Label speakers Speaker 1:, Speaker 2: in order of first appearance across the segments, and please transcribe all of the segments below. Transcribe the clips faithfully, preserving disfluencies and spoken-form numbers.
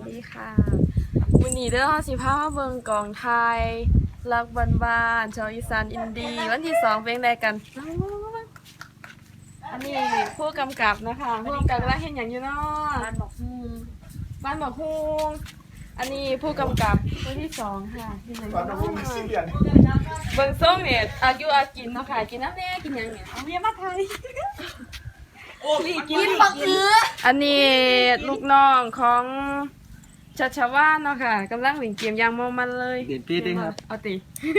Speaker 1: ดีค่ะวันนี้เด้อห้าสิบห้ามาเบิ่งกองไทยรักบ้านๆชาวอีสานอินดี้วันที่สองเพลงใดกันอันนี้ผู้กำกับนะคะผู้กำกับแล้วเห็นอย่างอยู่เนาะบ้านบอกฮูงบ้านบอกฮูงอันนี้ผู้กำกับวันที่สองค่ะเห็นอย่างอยู่เนาะเบิ่งส้มเนี่ยอายุอากินเนาะค่ะกินน้ำแน่กินหยังเนี่ยเอาเมียมาไทยโอ้ยกินบักเอืออันนี้ลูกน้องของชัชวาลเนาะค่ะกำลังเล่นเกมยางมองมันเลย
Speaker 2: เปลี่ยนปีดิครับ
Speaker 1: เอาตี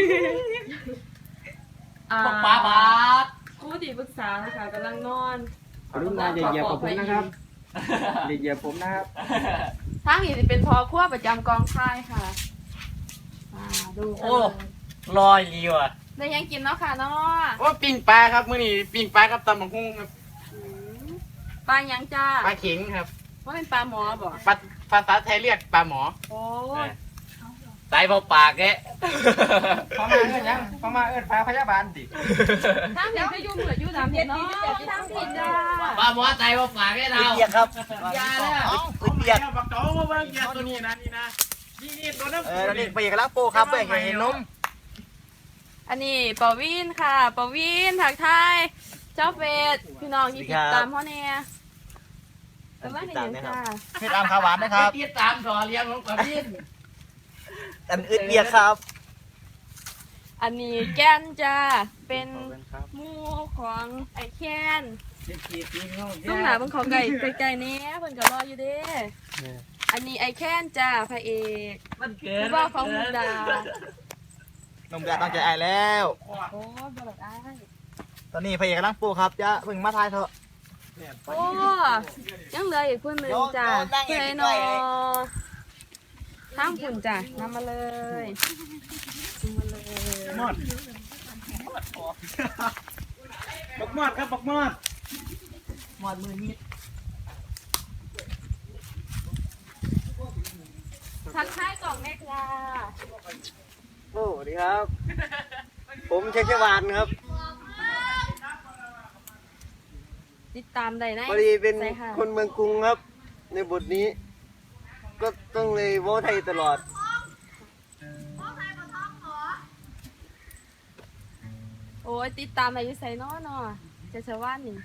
Speaker 3: บอกปลาบาท
Speaker 1: ผู้ที่ปรึกษานะคะกำลังนอน
Speaker 2: ขอรุณาอย่าเหยียบผมนะครับอย่าเหยียบผมนะครับ
Speaker 1: ทางนี้จะเป็นพอขั้วประจำกองค่ายค่ะดู
Speaker 3: โอ้ลอยลีว่ะ
Speaker 1: ได้ยังกินเนาะค่ะเนาะ
Speaker 3: ว่าปิ้งปลาครับมื้อนี้ปิ้งปลากับตำบักหุ่งครับ
Speaker 1: ปลายังจ้า
Speaker 3: ปลาเข็งครับ
Speaker 1: ว่าเป็นปลาหมอบ่
Speaker 3: ปลาภาษาไทยเรียกปลาหมอ
Speaker 1: โอ้
Speaker 3: ตายเบาปากแก
Speaker 2: พอมาเอิ้นยังพอมาเอิ้นพาพยาบาลดิ
Speaker 1: ทางนี้ก็ยุ่งเหลือยุ่งน้ำเห็ดเนาะทางผิดจ้า
Speaker 3: ปลาหมอตายเบาปากแกเรา
Speaker 2: เปียกครับ
Speaker 3: ยาเลย
Speaker 2: เปียก
Speaker 3: บักโตมาเบิ่งยาตัวนี้นะนี่นะนี่นี่ตัวน้ำ
Speaker 2: เออนี่เปียกแล้วโปครับเพื่อเห็นนม
Speaker 1: อันนี้ปอวินค่ะปอวินถักไทยเจ้าเฟสพี่น้องที่ติดตามพ่อเนี่ยแต่ว่าเห็นยังจ้า
Speaker 2: เฮ็ดตามข้าวหวานนะครับ
Speaker 3: ติดตามต่อเลี้ยงของปอวิน
Speaker 2: อันอึดเปียกครับ
Speaker 1: อันนี้แก้นจ้าเป็นหมูของไอแคนต้องหาเป็นของไก่ไก่เนี้ยเพิ่นก็รออยู่เด้อันนี้ไอแคนจ้าพระเอกผู้ว่าของมุกดาน
Speaker 2: มแดดต้องใจไอแล้ว
Speaker 1: โอ้บลอดไอ
Speaker 2: ตอนนี้พระเอกกำลังปูครับจะเพิ่งมาทายเถอะ
Speaker 1: โอ้ยังเหลืออีกคนหนึ่งจ้าเพื่อนนอทั้งผุ่นจ้านำมาเลยมาเลย
Speaker 3: มอดบักมอดครับบักมอด
Speaker 1: หมอดมือนิดทักทายกล่องแม่ค่ะ
Speaker 2: โอ้สวัสดีครับผมเชคเชวานครับ
Speaker 1: ติดตามได้นะ
Speaker 2: พอดีเป็นคนเมืองกรุงครับในบทนี้ก็ต้องเลยโว้ไทยตลอด
Speaker 1: โอ้ยติดตามอายุไซน้อเนาะจะชาวบ้านนี่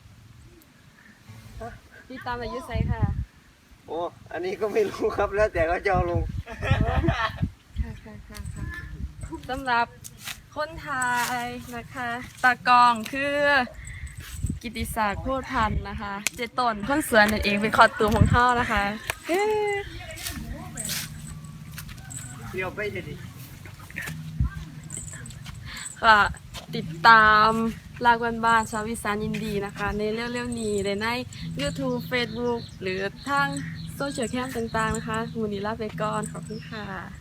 Speaker 1: ติดตามอายุไซค่ะ
Speaker 2: โอ้อันนี้ก็ไม่รู้ครับแล้วแต่เขาจะเอาลง
Speaker 1: ค่ะค่ะค่ะค่ะสำหรับคนไทยนะคะตากองคือกิติศักดิ์โพธิ์พันธ์นะคะเจตนคนสวนนั่นเองเป็นคอตูมของเท่านะคะ
Speaker 2: เดี๋ยวไปดิ
Speaker 1: ค่ะติดตามลากบ้านๆชาวอีสานอินดีนะคะในเรื่องๆนี้ใน YouTube Facebook หรือทางโซเชียลแคมต่างๆนะคะมูลนิธิลาไปก่อนขอบคุณค่ะ